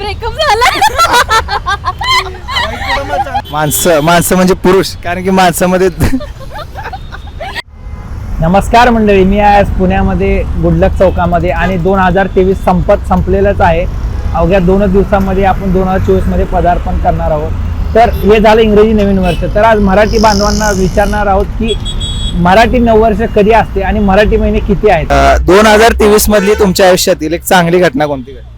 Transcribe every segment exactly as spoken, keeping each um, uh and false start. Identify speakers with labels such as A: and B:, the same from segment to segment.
A: Breakup झाला.
B: माणसं माणसं म्हणजे पुरुष, कारण की माणसामध्ये
C: नमस्कार मंडळी, मी आज पुण्यामध्ये गुडलक चौकामध्ये आणि दोन हजार तेवीस संपत संपलेलंच आहे. अवघ्या दोनच दिवसांमध्ये आपण दोन हजार चोवीसमध्ये पदार्पण करणार आहोत. तर हे झालं इंग्रजी नवीन वर्ष. तर आज मराठी बांधवांना विचारणार आहोत की मराठी नववर्ष कधी असते आणि मराठी महिने किती आहेत.
B: दोन हजार तेवीस मधली तुमच्या आयुष्यातील एक चांगली घटना कोणती घडली?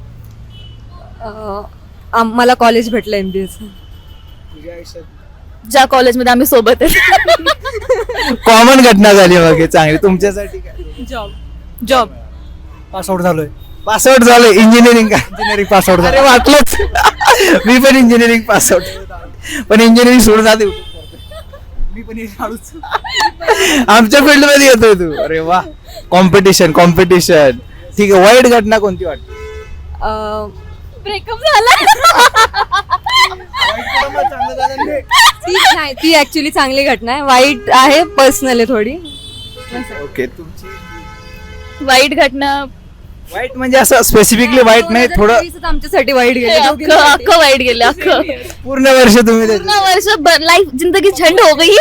A: मला कॉलेज भेटलं एमबीएच.
B: तुझ्या आयुष्यात
A: ज्या कॉलेजमध्ये आम्ही सोबत आहे.
B: कॉमन घटना झाली मग हे चांगली तुमच्यासाठी काय?
A: जॉब जॉब
D: पास आउट झालोय.
B: पास आउट झालं इंजिनिअरिंग का?
D: इंजिनिअरिंग पास आउट
B: अरे
D: झालं.
B: वाटलंच. मी पण इंजिनिअरिंग पास आउट, पण इंजिनिअरिंग सोडून जाते.
D: मी पण हळूच.
B: आमच्या फील्ड मध्ये येतोय तू. अरे वा, कॉम्पिटिशन कॉम्पिटिशन. ठीक आहे, वाईट घटना कोणती वाटते?
A: ब्रेकअप झाला. ती नाही, ती ऍक्च्युली चांगली घटना आहे. वाईट आहे, पर्सनल आहे थोडी.
B: ओके, तुमची
A: वाईट घटना
B: वाईट म्हणजे असं स्पेसिफिकली वाईट नाही, थोडं
A: आमच्यासाठी वाईट गेलं. अख्खं वाईट गेलं. अख्खं
B: पूर्ण वर्ष तुम्ही त्याच्यात-
A: पूर्ण वर्ष लाईफ जिंदगी झंड हो गई.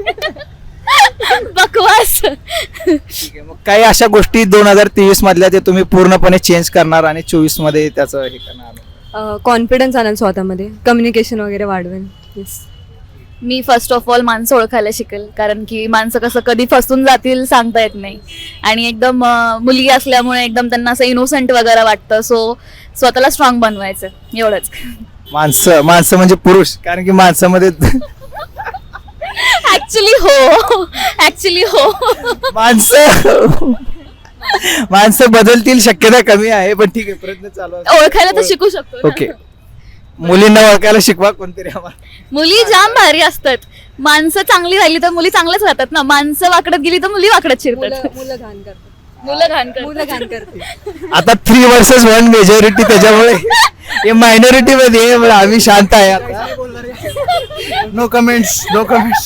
A: बकवास.
B: ठीक आहे, मग काही अशा गोष्टी दोन हजार तेवीस मधल्या ते तुम्ही पूर्णपणे चेंज करणार आणि चोवीस मध्ये त्याचं हे करणार?
A: कॉन्फिडन्स आणेल स्वतःमध्ये, कम्युनिकेशन वगैरे वाढवेल.
E: मी फर्स्ट ऑफ ऑल माणसं ओळखायला शिकेल, कारण की माणसं कसं कधी फसून जातील सांगता येत नाही. आणि एकदम अं, मुलगी असल्यामुळे एकदम त्यांना असं इनोसंट वगैरे वाटतं. सो स्वतःला स्ट्रॉंग बनवायचं, एवढंच.
B: माणसं माणसं म्हणजे पुरुष, कारण की माणसामध्ये
E: ऍक्च्युली हो ऍक्च्युली हो
B: माणसं माणसं बदलतील शक्यता कमी आहे, पण ठीक आहे, प्रयत्न चालू आहे.
E: ओळखायला तर शिकू शकतो ना.
B: ओके, मुलींना ओळखायला शिकवा कोणतरी आम्हाला.
E: मुली जाम भारी असतात. माणसं चांगली राहिली तर मुली चांगल्याच राहतात ना. माणसं वाकडत गेली तर मुली वाकडत शिरतात.
A: मुलं घाण करतात.
E: मुलं घाण
A: मुलं घाण करते.
B: आता थ्री वर्सेस वन मेजॉरिटी, त्याच्यामुळे हे मायनॉरिटी मध्ये आहे, पण आम्ही शांत आहे आता.
D: No comments no comments.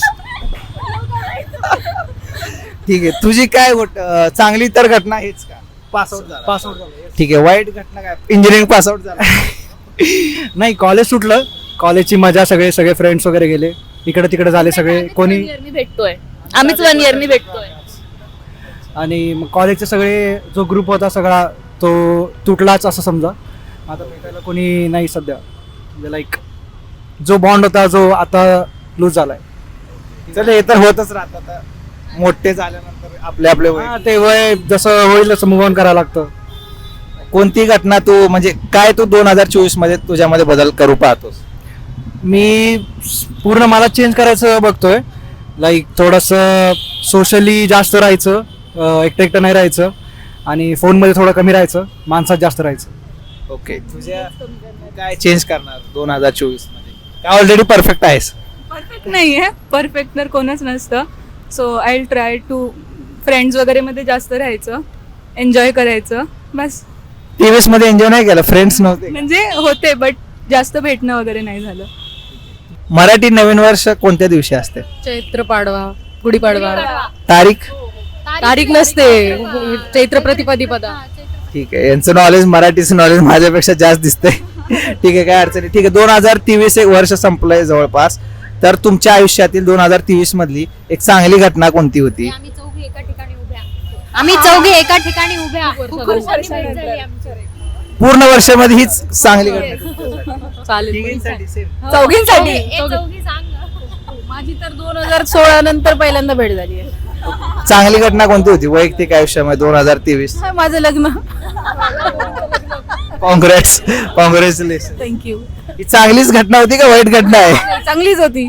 B: ठीक आहे, तुझी काय गोट- अं, चांगली तर घटना हेच का?
D: पास आउट झाला. पास आउट झालं.
B: ठीक आहे, वाईट घटना काय? इंजिनिअरिंग पास आउट झाला.
D: नाही, कॉलेज सुटलं. कॉलेजची मजा, सगळे सगळे फ्रेंड्स वगैरे गेले इकडे तिकडे झाले सगळे. कोणी
E: इयरनी भेटतोय आम्हीच वन इयरनी भेटतोय.
D: आणि मग कॉलेजचे सगळे जो ग्रुप होता सगळा तो तुटलाच असं समजा. आता भेटायला कोणी नाही सध्या. म्हणजे लाईक जो बॉन्ड होता जो आता लूज झालाय.
B: चल, हे तर होतच राहत. आता मोठे झाल्यानंतर आपले आपले वय.
D: हा, ते वय जसं होईल तसं मूव ऑन करायला लागतं.
B: कोणती घटना तू म्हणजे काय तू दोन हजार चोवीस मध्ये तुझ्यामध्ये बदल करू पाहतोस?
D: मी पूर्ण मला चेंज करायचं बघतोय. लाईक थोडंसं सोशली जास्त राहायचं, एकटं एकटं नाही राहायचं, आणि फोनमध्ये थोडं कमी राहायचं, माणसात जास्त राहायचं.
B: ओके, तुझ्या काय चेंज करणार दोन हजार चोवीस मध्ये? काय ऑलरेडी परफेक्ट आहेस?
F: परफेक्ट नाही आहे. परफेक्ट तर कोणच नसतं. So I will try to friends वगैरे मध्ये जास्त राहायचं, एन्जॉय करायचं बस.
B: तेवीस मध्ये एन्जॉय नाही केलं? फ्रेंड्स नव्हते?
F: म्हणजे होते बट जास्त भेटणं वगैरे नाही झालं.
B: मराठी नवीन वर्ष कोणत्या दिवशी असते?
G: चैत्र पाडवा, गुढीपाडवा.
B: तारीख
G: तारीख नसते, चैत्र प्रतिपदिपदा.
B: ठीक आहे, यांचं नॉलेज, मराठीचं नॉलेज माझ्यापेक्षा जास्त दिसतंय. ठीक आहे, काय अडचण नाही. ठीक आहे, दोन हजार तेवीस एक वर्ष संपलंय जवळपास. तर तुमच्या आयुष्यातील दोन हजार तेवीस मधली एक चांगली घटना कोणती होती?
G: आम्ही चौघी एका ठिकाणी उभ्या आम्ही चौघी एका ठिकाणी उभ्या
B: पूर्ण वर्षामध्ये हीच चांगली घटना.
G: चालेल.
A: चौघींसाठी
G: माझी तर दोन हजार सोळा नंतर पहिल्यांदा भेट झाली आहे.
B: चांगली घटना कोणती होती वैयक्तिक आयुष्यामध्ये दोन हजार तेवीस?
G: माझं लग्न.
B: काँग्रेस कॉंग्रॅच्युलेशन.
G: थँक्यू.
B: ही चांगलीच घटना होती का वाईट घटना आहे?
G: चांगलीच होती.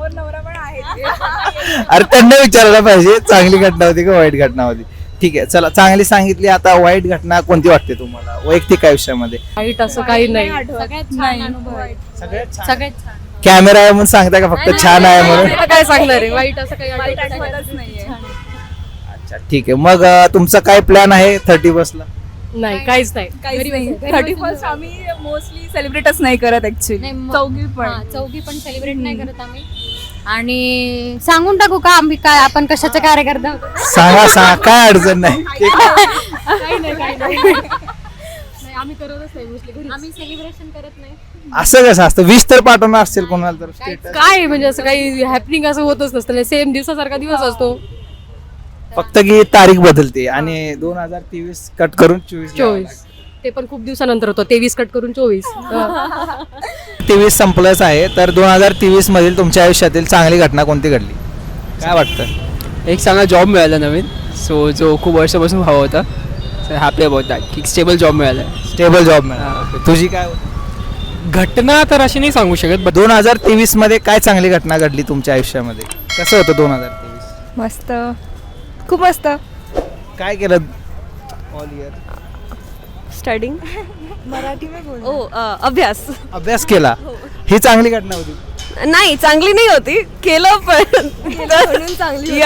B: अरे त्यांना विचारायला पाहिजे चांगली घटना होती का वाईट घटना होती. ठीक आहे, चला, चांगली सांगितली. आता वाईट घटना कोणती वाटते तुम्हाला वैयक्तिक आयुष्यामध्ये?
G: वाईट असं काही नाही.
B: सगळ्यात
G: सगळ्यात
B: कॅमेरा आहे म्हणून सांगता का फक्त छान आहे म्हणून?
G: काय सांगणार आहे, वाईट असं काही आठवतच नाहीये.
B: अच्छा, ठीक आहे. मग अं, तुमचा काय प्लॅन आहे थर्टी बसला?
G: नाही, काहीच नाही.
F: थर्टी फर्स्ट आम्ही मोस्टली सेलिब्रेटच नाही करत ऍक्च्युली. चौघी पण
G: चौघी पण सेलिब्रेट नाही करत आम्ही. आणि सांगून टाकू का आम्ही काय आपण कशाचे कार्यकर्ता आहोत?
B: सांगा सांगा, काय अडचण नाही.
G: काही नाही काही नाही. आम्ही करतच नाही मोस्टली आम्ही सेलिब्रेशन करत नाही.
B: असं कसं असतं? विश तर पाठवणार असेल कोणाला तर स्टेटस.
G: काय म्हणजे असं काही हॅपनिंग असं होतच नसतं, सेम दिवसासारखा दिवस असतो.
B: फक्त की तारीख बदलते आणि दोन हजार तेवीस कट करून चोवीस
G: चोवीस ते पण खूप दिवसानंतर होतं, तेवीस कट करून चोवीस.
B: तेवीस संपलंच आहे, तर दोन हजार तेवीस मधील तुमच्या आयुष्यातील चांगली घटना कोणती घडली? काय वाटतं?
H: एक चांगला जॉब मिळाला नवीन, सो जो खूप वर्षापासून हवा होता. हॅपी अबाउट दॅट की स्टेबल जॉब मिळाला.
B: स्टेबल जॉब मिळाला. तुझी काय
H: घटना तर अशी नाही सांगू शकत, बट
B: दोन हजार तेवीस मध्ये काय चांगली घटना घडली तुमच्या आयुष्यामध्ये? कसं होतं दोन हजार तेवीस?
A: मस्त, खूप मस्त.
B: काय केलं ऑल इयर?
A: स्टडिंग ओ अभ्यास.
B: अभ्यास केला, ही चांगली घटना होती.
A: नाही, चांगली नाही होती, केलं पण म्हणून चांगली.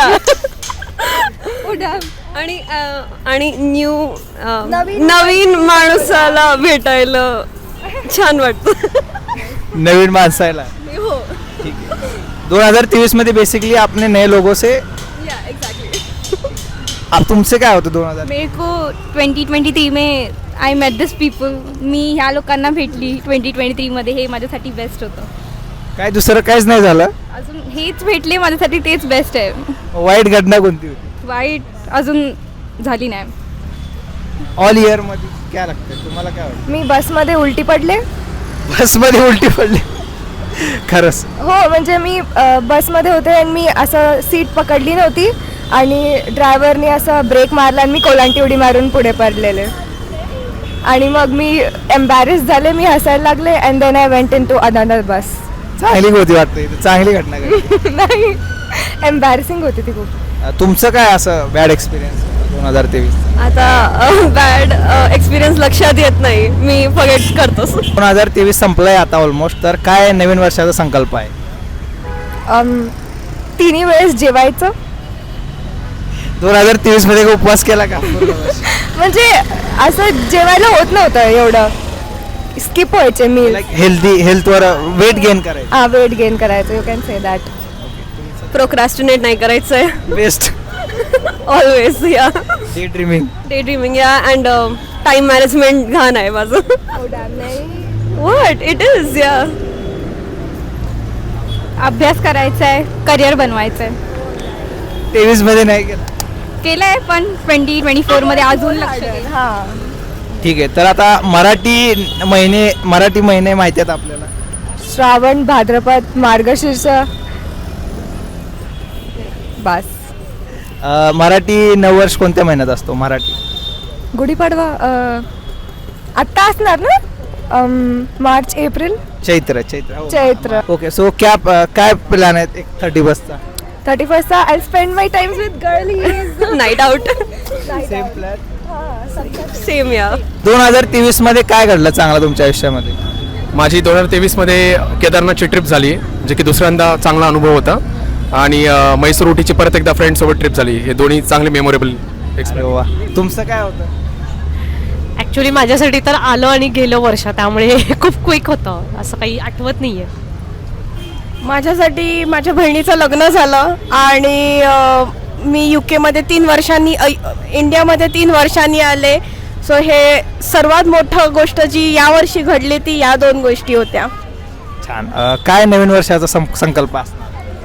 A: आणि अ, आणि न्यू नवीन माणसाला भेटायला छान वाटतं.
B: नवीन माणसाला.
A: हो,
B: ठीक है. दोन हजार तेवीस मध्ये बेसिकली आपने नए लोगों से अब तुमसे काय होतं दोन हजार?
I: मेरे को ट्वेंटी ट्वेंटी थ्री में आय मेट दिस पीपल. मी ह्या लोकांना भेटली ट्वेंटी ट्वेंटी थ्रीमध्ये, हे माझ्यासाठी बेस्ट होतं.
B: काय दुसरं काहीच नाही झालं?
I: अजून हेच भेटले माझ्यासाठी, तेच बेस्ट आहे.
B: वाईट घटना कोणती होती
I: वाईट अजून झाली नाही.
B: ऑल इयर मध्ये? काय लागतं तुम्हाला? काय वाटतं?
A: मी बसमध्ये उलटी पडले.
B: बसमध्ये उलटी पडली? खरंच?
A: हो, म्हणजे मी अ, बसमध्ये होते आणि मी असं सीट पकडली नव्हती आणि ड्रायव्हरने असं ब्रेक मारला आणि मी कोलांटी उडी मारून पुढे पडलेले. आणि मग मी एम्बॅरेस झाले, मी हसायला लागले and then I went into another bus.
B: चांगली होती वाटतं, इथे चांगली घटना घडली.
A: नाही, एम्बॅरेसिंग होती ती खूप.
B: अ, तुमचं काय असं बॅड एक्सपिरियन्स दोन हजार तेवीस?
A: आता बॅड एक्सपिरियन्स लक्षात येत नाही, मी फॉरगेट करतो.
B: दोन हजार तेवीस संपलंय आता ऑलमोस्ट, तर काय नवीन वर्षाचा संकल्प आहे?
A: अम, तिन्ही वेळेस जेवायचं.
B: दोन हजार तेवीस मध्ये काय उपवास केला का?
A: म्हणजे असं जेवायला होत नव्हतं एवढं, स्किप व्हायचे मील.
B: लाईक हेल्दी, हेल्थवर वेट गेन करायचं.
A: हा, वेट गेन करायचं, you can say that. Procrastinate नाही करायचंय.
B: Best.
A: Always yeah
B: day dreaming.
A: Day dreaming yeah and time management घाण आहे माझं. व्हॉट इट इज या.
I: अभ्यास करायचा आहे, करिअर बनवायचं आहे.
B: तेवीस मध्ये नाही केला?
I: केलं आहे, पण ट्वेंटी ट्वेंटी फोरमध्ये अजून लक्ष देईल.
A: हा,
B: ठीक आहे. तर आता मराठी महिने, मराठी महिने माहिती आहेत आपल्याला?
A: श्रावण, भाद्रपद, मार्गशीर्ष, बस.
B: अ, मराठी नववर्ष कोणत्या महिन्यात असतो? मराठी
A: गुढीपाडवा अ, आत्ता असणार ना? अम, मार्च, एप्रिल,
B: चैत्र. चैत्र हो.
A: चैत्र.
B: ओके. सो क्या काय प्लॅन आहेत एक थर्टी बसचा?
A: थर्टी फर्स्टचा I spend my times with girlies. Night out.
B: Same plan.
A: Same yeah.
B: दोन हजार तेवीस मध्ये काय घडलं चांगलं तुमच्या आयुष्यामध्ये?
J: माझी दोन हजार तेवीसमध्ये केदारनाथची ट्रिप झाली, जे की दुसऱ्यांदा चांगला अनुभव होता. आणि अ, म्हैसूर उटीची परत एकदा फ्रेंडसोबत ट्रिप झाली. हे दोन्ही चांगले मेमोरेबल एक्सपिरियन्स.
B: वा. तुमचं काय होतं?
K: ॲक्च्युली माझ्यासाठी तर आलं आणि गेलं वर्ष, त्यामुळे खूप क्विक होतं, असं काही आठवत नाही आहे.
A: माझ्यासाठी माझ्या बहिणीचं लग्न झालं आणि अ, मी यू केमध्ये तीन वर्षांनी अ, इंडियामध्ये तीन वर्षांनी आले. सो हे सर्वात मोठं गोष्ट जी यावर्षी घडली ती या दोन गोष्टी होत्या.
B: छान. अ, काय नवीन वर्षाचा सं- संकल्प असणार?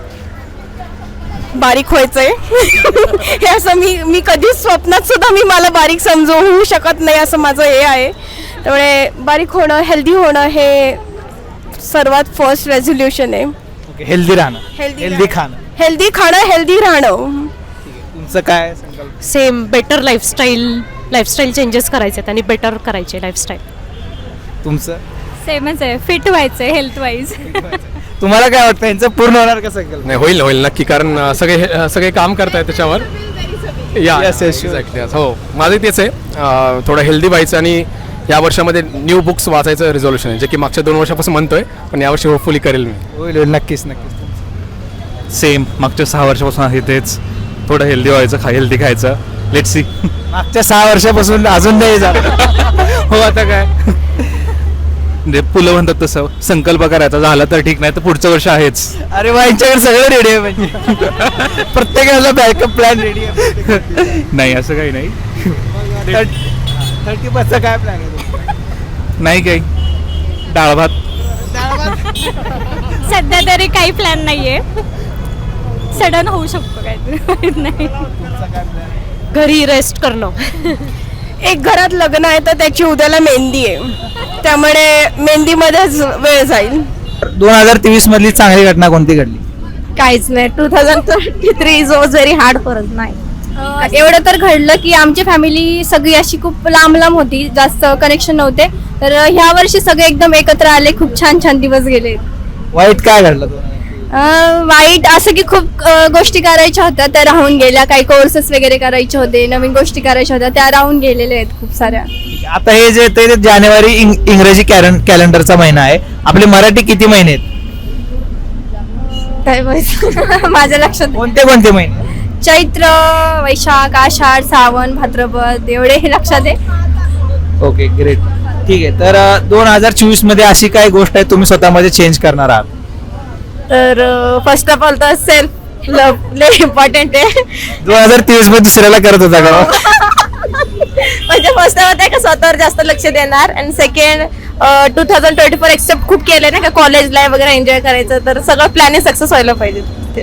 A: बारीक व्हायचंय. हे असं मी मी कधीच स्वप्नात सुद्धा मी मला बारीक समजू होऊ शकत नाही, असं माझं हे आहे. त्यामुळे बारीक होणं, हेल्दी होणं हे सर्वात फर्स्ट रेझोल्युशन आहे.
B: ओके. हेल्दी राहणं,
A: Healthy
B: हेल्दी
A: राहणं.
B: खाणं.
A: हेल्दी खाणं, हेल्दी राहणं.
B: तुमचं काय संकल्प?
K: Same, better lifestyle lifestyle changes करायचे आहेत आणि बेटर करायचे लाईफस्टाईल.
B: तुमचं?
I: सेमच आहे, फिट व्हायचं आहे हेल्थ वाईज.
B: तुम्हाला काय वाटतं यांचं पूर्ण होणार का संकल्प?
J: नाही, होईल होईल नक्की, कारण अ, सगळे अ, सगळे काम करतायत त्याच्यावर. या
B: Yes, yes, sure.
J: एक्झॅक्टली. हो, माझं तेच आहे. अ, थोडं हेल्दी व्हायचं आणि या वर्षामध्ये न्यू बुक्स वाचायचं रिझोल्युशन आहे, जे की मागच्या दोन वर्षापासून म्हणतोय, पण यावर्षी होपफुली करेल मी.
B: होईल होईल, नक्कीच नक्कीच.
L: सेम, मागच्या सहा वर्षापासून आहे तेच. थोडं हेल्दी व्हायचं, खा हेल्दी खायचं. Let's see.
B: मागच्या सहा वर्षापासून अजून नाही झालं.
L: हो, आता काय म्हणजे पुलं म्हणतात तसं, संकल्प करायचा, झाला तर ठीक, नाही तर पुढचं वर्ष आहेच.
B: अरे वा, यांच्याकडे सगळं रेडी आहे म्हणजे. प्रत्येकाला बॅकअप प्लॅन रेडी आहे.
L: नाही असं काही नाही.
B: थर्टी पर्सेंट काय प्लॅन आहे?
L: नाही काही डाळ भात.
I: सध्या तरी काही प्लॅन नाहीये, सडन होऊ शकतो काहीतरी माहित नाही.
K: घरी रेस्ट करणं.
A: एक घरात लग्न आहे तर त्याची उद्याला मेहंदी आहे, त्यामुळे मेहंदीमध्येच वेळ जाईल.
B: दोन हजार तेवीस मधली चांगली घटना कोणती घडली?
I: काहीच नाही. Two thousand twenty three is was very hard for us. नाही एवढं तर घडलं की आमची फॅमिली सगळी अशी खूप लांब लांब होती, जास्त कनेक्शन नव्हते, तर ह्या वर्षी सगळे एकदम एकत्र आले, खूप छान छान दिवस गेले.
B: वाईट काय घडलं दोन हजार?
I: अं, वाईट असं की खूप अं, गोष्टी करायच्या होत्या त्या राहून गेल्या, काही कोर्सेस वगैरे करायचे होते, नवीन गोष्टी करायच्या होत्या त्या राहून गेलेल्या आहेत खूप साऱ्या.
B: आता हे जे ते जानेवारी इंग- इंग्रजी कॅलें- कॅलेंडरचा महिना आहे, आपले मराठी किती महिने आहेत?
I: काय माहित माझ्या लक्षात.
B: कोणते कोणते महिने?
I: चैत्र, वैशाख, आषाढ, श्रावण, भाद्रपद एवढे हे लक्षात आहे.
B: Okay great. ठीक आहे. तर दोन हजार चोवीस मध्ये अशी काय गोष्ट आहे तुम्ही स्वतःमध्ये चेंज करणार आहात?
I: तर फर्स्ट ऑफ ऑल तर सेल्फ लव्ह लय इम्पॉर्टंट आहे.
B: दोन हजार तेवीस मध्ये दुसऱ्याला करत होता का?
I: म्हणजे फर्स्ट ऑफ ऑल का स्वतःवर जास्त लक्ष देणार, आणि second two thousand twenty four except खूप केलं ना का कॉलेज लाईफ वगैरे एन्जॉय करायचं, तर सगळं प्लॅन सक्सेस व्हायला पाहिजे.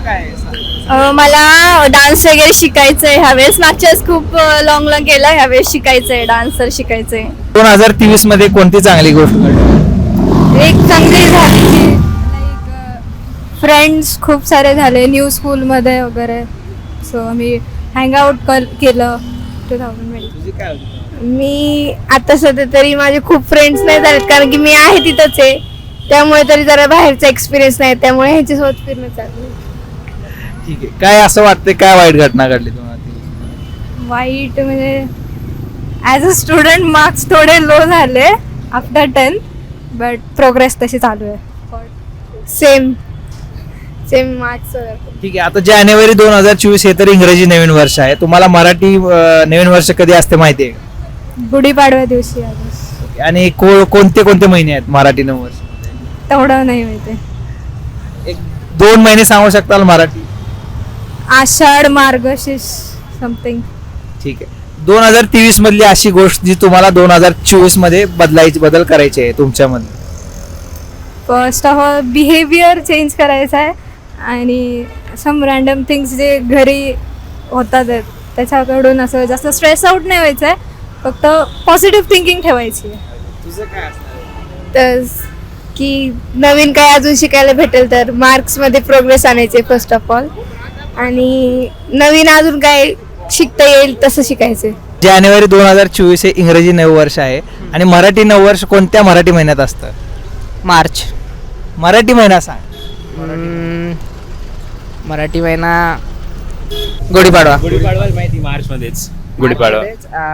I: अं, मला डान्स वगैरे शिकायचं आहे ह्यावेळेस. मागच्या वेळेस खूप लॉंग लॉंग केलं, ह्यावेळेस शिकायचं आहे, डान्स तर शिकायचं आहे.
B: दोन हजार तेवीस मध्ये कोणती चांगली गोष्ट घडली?
I: एक चांगली झाली की फ्रेंड्स खूप सारे झाले न्यू स्कूलमध्ये वगैरे, सो आम्ही हँगआउट केलं टू थाउजंड. मी आता सध्या तरी माझे खूप फ्रेंड्स नाही झालेत, कारण की मी आहे तिथंच आहे, त्यामुळे तरी जरा बाहेरचा एक्सपिरियन्स नाही, त्यामुळे ह्याच्यासोबत फिरणं चालू.
B: ठीक आहे. काय असं वाटतं काय वाईट घटना घडली दोन हजार तेवीस?
I: वाईट म्हणजे ॲज अ स्टुडंट मार्क्स थोडे लो झाले आफ्टर टेन, बट प्रोग्रेस तशी चालू आहे. Same same marks.
B: ठीक आहे. आता जानेवारी दोन हजार चोवीस हे तर इंग्रजी नवीन वर्ष आहे, तुम्हाला मराठी अं, नवीन वर्ष कधी असते माहिती आहे का?
I: गुढीपाडव्या दिवशी आहे.
B: आणि को- कोणते कोणते महिने आहेत मराठी नवीन वर्ष?
I: तेवढं नाही माहिती.
B: एक दोन महिने सांगू शकताल मराठी?
I: आषाढ, मार्गशीर्ष समथिंग.
B: ठीक आहे. दोन हजार तेवीस मधली अशी गोष्ट जी तुम्हाला दोन हजार चोवीस मध्ये बदलायची बदल करायचे आहे तुमच्यामध्ये?
I: First of all behaviour change करायचा आहे, आणि सम रॅन्डम थिंग्स जे घरी होतात आहेत त्याच्याकडून असं जास्त स्ट्रेस आउट नाही व्हायचं आहे, फक्त पॉझिटिव्ह थिंकिंग ठेवायची आहे.
B: तुझं काय असणार?
A: तर की नवीन काय अजून शिकायला भेटेल, तर मार्क्समध्ये प्रोग्रेस आणायचे फर्स्ट ऑफ ऑल, आणि नवीन अजून काय शिकता येईल तसं शिकायचं.
B: जानेवारी दोन हजार चोवीस हे इंग्रजी नववर्ष आहे, आणि मराठी नववर्ष कोणत्या मराठी महिन्यात असतं?
H: मार्च.
B: मराठी महिना सांग.
H: मराठी महिना गुढीपाडवा.
L: गुढीपाडवा माहिती मार्च मध्येच गुढीपाडवा.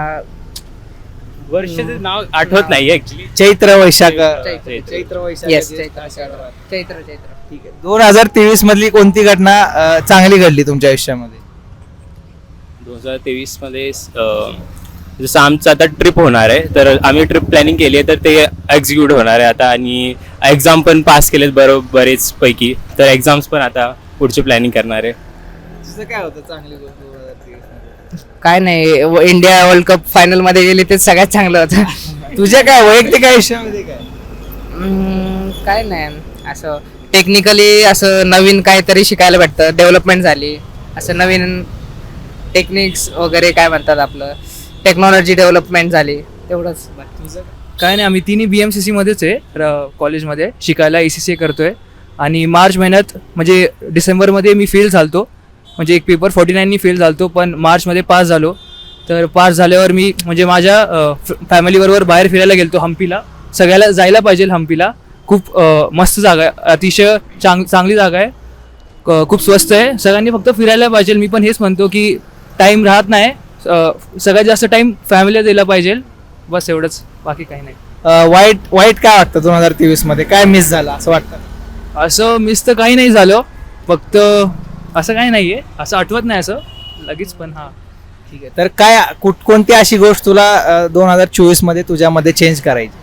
L: वर्षाचं नाव आठवत नाही ऍक्च्युली.
B: चैत्र वैशाख.
H: चैत्र.
B: वैशाख.
H: येस चैत्र चैत्र चैत्र.
B: ठीक आहे. दोन हजार तेवीस मधली कोणती घटना अं, चांगली घडली तुमच्या आयुष्यामध्ये?
L: दोन हजार तेवीस मध्ये अं, जसं आमचं आता ट्रिप होणार आहे, तर आम्ही ट्रिप प्लॅनिंग केली आहे, तर ते एक्झिक्यूट होणार आहे आता, आणि एक्झाम पण पास केलेत बरोबर बरेच पैकी, तर एक्झाम्स पण आता पुढची प्लॅनिंग करणार आहे.
B: तुझं काय होतं चांगली गोष्ट दोन हजार तेवीस मध्ये?
H: काय नाही, व- इंडिया वर्ल्ड कप फायनल मध्ये गेले ते सगळ्यात चांगलं होतं.
B: तुझ्या काय वैयक्तिक आयुष्यामध्ये काय?
H: हम्म, काय नाही असं टेक्निकली असं नवीन काहीतरी शिकायला भेटतं, डेव्हलपमेंट झाली, असं नवीन टेक्निक्स वगैरे काय म्हणतात आपलं टेक्नॉलॉजी डेव्हलपमेंट झाली, तेवढंच.
D: काय नाही, आम्ही तिन्ही बी एम सी सीमध्येच आहे र- कॉलेजमध्ये शिकायला, ए सी सी ए करतोय, आणि मार्च महिन्यात म्हणजे डिसेंबरमध्ये मी फेल झालतो, म्हणजे एक पेपर फोर्टी नाईननी फेल झालतो, पण मार्चमध्ये पास झालो. तर पास झाल्यावर मी म्हणजे माझ्या फॅमिलीबरोबर बाहेर फिरायला गेलतो हम्पीला. सगळ्याला जायला पाहिजे हम्पीला, खूप अ, मस्त जागा आहे, अतिशय चांग चांगली जागा आहे, क- खूप स्वस्त आहे, सगळ्यांनी फक्त फिरायला पाहिजे. मी पण हेच म्हणतो की टाईम राहत नाही, अ, सगळ्यात जास्त टाईम फॅमिलीला दिला पाहिजे, बस एवढंच, बाकी काही नाही.
B: अं, वाईट वाईट काय वाटतं दोन हजार तेवीस मध्ये काय मिस झालं असं वाटतं?
D: असं मिस तर काही नाही झालं, फक्त असं काही नाही आहे, असं आठवत नाही असं लगेच, पण हां.
B: ठीक आहे. तर काय कुठ कोणती अशी गोष्ट तुला दोन हजार चोवीस मध्ये तुझ्यामध्ये चेंज करायची?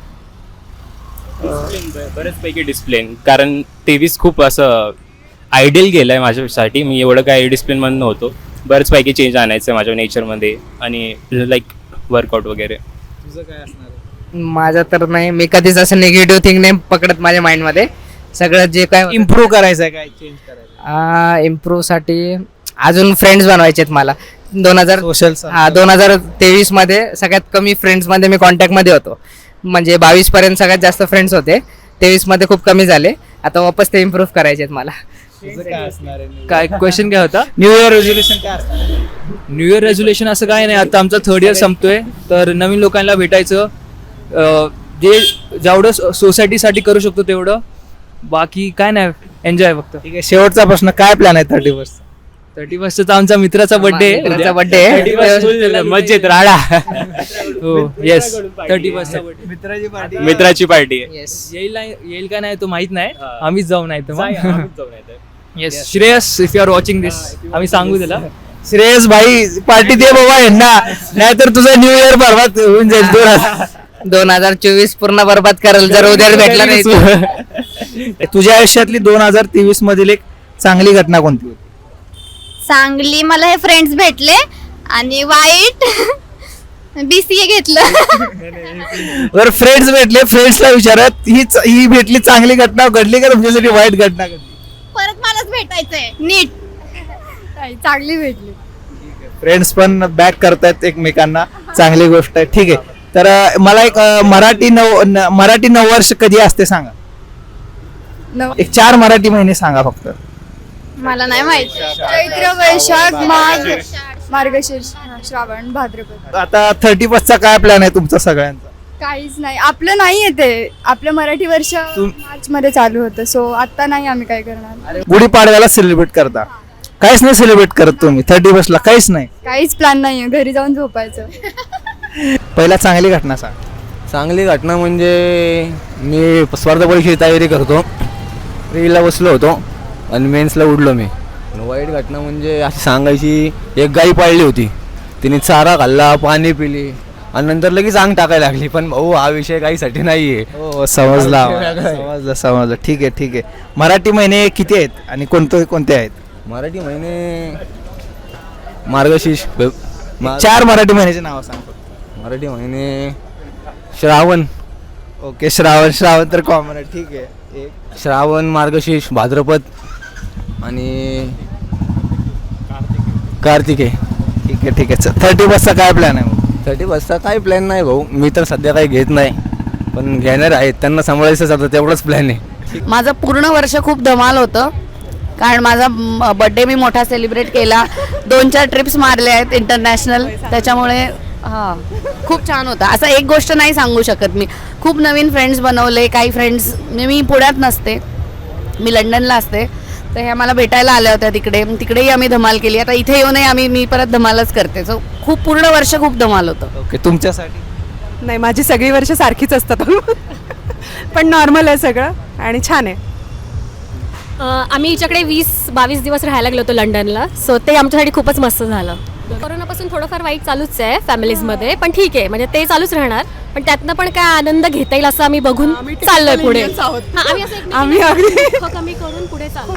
L: बरेच पैकी डिसिप्लिन, कारण तेवीस खूप असं आयडियल गेलं आहे माझ्यासाठी, मी एवढं काय डिसिप्लिनमध्ये नव्हतो, बरेच पैकी चेंज आणायचं आहे माझ्या नेचरमध्ये, आणि लाईक वर्कआउट वगैरे.
B: तुझं काय असणार?
H: माझं तर नाही, मी कधीच असं निगेटिव्ह थिंग नाही पकडत माझ्या माइंडमध्ये. सगळं जे काय
B: इम्प्रूव्ह करायचं आहे काय चेंज करायचं
H: इम्प्रूव्ह साठी अजून फ्रेंड्स बनवायचे आहेत मला. दोन हजार
B: सोशल
H: हा दोन हजार तेवीस मध्ये सगळ्यात कमी फ्रेंड्स मध्ये मी कॉन्टॅक्ट मध्ये होतो. म्हणजे बावीस पर्यंत सगळ्यात जास्त फ्रेंड्स होते, तेवीस मध्ये खूप कमी झाले. आता वापस ते इम्प्रूव्ह करायचे आहेत मला.
D: काय क्वेश्चन काय होता?
B: न्यू इयर रेझोल्युशन काय असणार?
D: न्यू इयर रेझोल्युशन असं काय नाही. आता आमचा थर्ड इयर संपतोय, तर नवीन लोकांना भेटायचं, अं, जे जेवढं सोसायटीसाठी करू शकतो तेवढं, बाकी काय नाही, एन्जॉय फक्त.
B: ठीक आहे, शेवटचा प्रश्न, काय प्लॅन आहे थर्टी फर्स्ट?
D: थर्टी फर्स्टचा आमचा मित्राचा बर्थडे
H: मित्राचा birthday.
L: मज्जेत राडा.
D: हो येस, थर्टी फर्स्टचा बर्थडे.
B: मित्राची पार्टी.
L: मित्राची पार्टी आहे.
H: येस.
D: येईल नाही येईल का नाही तो माहित नाही, आम्हीच जाऊ नाही तर yes. Shreyas, if you are watching this, आम्ही सांगू त्याला.
B: श्रेयस भाई पार्टी दे बाबा यांना, नाहीतर तुझा न्यू इयर बरबाद होऊन जाईल. दोन हजार
H: दोन हजार चोवीस पूर्ण बरबाद करेल जर उद्या भेटला नाही.
B: तुझ्या आयुष्यातली दोन हजार तेवीस मधील एक चांगली घटना कोणती होती?
G: चांगली मला हे फ्रेंड्स भेटले आणि वाईट बीसीए घेतलं.
B: जर फ्रेंड्स भेटले, फ्रेंड्सला विचारत ही च- ही भेटली चांगली घटना घडली का तुमच्यासाठी वाईट घटना घडली?
G: परत मलाच भेटायचंय नीट. चांगली भेटली.
B: फ्रेंड्स पण बॅक करतायत एकमेकांना, चांगली गोष्ट आहे. ठीक आहे, तर अं, मला एक अं, मराठी नव न- मराठी नववर्ष कधी असते सांगा.
A: नव-
B: एक चार मराठी महिने सांगा फक्त.
G: मला नाही माहिती.
A: चैत्र, वैशाख, माघ, मार्गशीर्ष, हा, श्रावण, भाद्रपद.
B: आता थर्टी फर्स्टचा काय प्लॅन आहे तुमचा सगळ्यांचा?
A: काहीच नाही, आपलं नाही येते. आपलं मराठी वर्ष मार्च मध्ये चालू होतं, सो आता नाही आम्ही काय करणार.
B: गुढीपाडव्याला सेलिब्रेट करता? काहीच नाही सेलिब्रेट करत तुम्ही थर्टी फर्स्टला? काहीच नाही.
A: काहीच प्लॅन नाहीये, घरी जाऊन झोपायचं.
B: पहिला चांगली घटना सांग.
M: चांगली घटना म्हणजे मी स्पर्धा परीक्षेची तयारी करतो, रीला बसलो होतो आणि मेन्सला उडलो मी. आणि वाईट घटना म्हणजे अशी सांगायची, एक गाई पाळली होती, तिने चारा खाल्ला, पाणी पिली आणि नंतर लगेच अंग टाकायला लागली. पण भाऊ हा विषय गाईसाठी नाही आहे.
B: हो समजला समजलं समजलं. ठीक आहे ठीक आहे. मराठी महिने किती आहेत आणि कोणते कोणते आहेत?
M: मराठी महिने मार्गशीर्ष, मा-
B: चार मराठी महिन्याचे नाव सांग.
M: मराठी महिने श्रावण,
B: ओके, श्रावण. श्रावण तर कॉमन आहे. ठीक आहे. एक
M: श्रावण, मार्गशीर्ष, भाद्रपद आणि कार्तिके.
B: ठीक आहे ठीक आहे. थर्टी फर्स्टचा काय प्लॅन आहे मग?
M: थर्टी फर्स्टचा काही प्लॅन नाही भाऊ, मी तर सध्या काही घेत नाही, पण घेणार आहेत त्यांना सांभाळायचंच आता, तेवढंच प्लॅन आहे.
E: माझं पूर्ण वर्ष खूप धमाल होतं, कारण माझा बर्थडे मी मोठा सेलिब्रेट केला, दोन चार ट्रिप्स मारल्या आहेत इंटरनॅशनल, त्याच्यामुळे हां खूप छान होतं. असं एक गोष्ट नाही सांगू शकत मी. खूप नवीन फ्रेंड्स बनवले. काही फ्रेंड्स मी पुण्यात नसते, मी लंडनला असते, तर ह्या मला भेटायला आल्या होत्या तिकडे, तिकडेही आम्ही धमाल केली. आता इथे येऊनही आम्ही मी परत धमालच करते. सो खूप पूर्ण वर्ष खूप धमाल होतं.
B: ओके, तुमच्यासाठी?
A: नाही, माझी सगळी वर्ष सारखीच असतात, पण नॉर्मल आहे सगळं आणि छान आहे.
K: आम्ही हिच्याकडे वीस बावीस दिवस राहायला गेलो होतो लंडनला, सो ते आमच्यासाठी खूपच मस्त झालं. कोरोनापासून थोडंफार वाईट चालूच आहे फॅमिलीजमध्ये, पण ठीक आहे, म्हणजे ते चालूच राहणार, पण त्यातनं पण काय आनंद घेता येईल असं आम्ही बघून चाललोय पुढे. हां, आम्ही असं एकमेकींना दुःख कमी करून पुढे चाललो.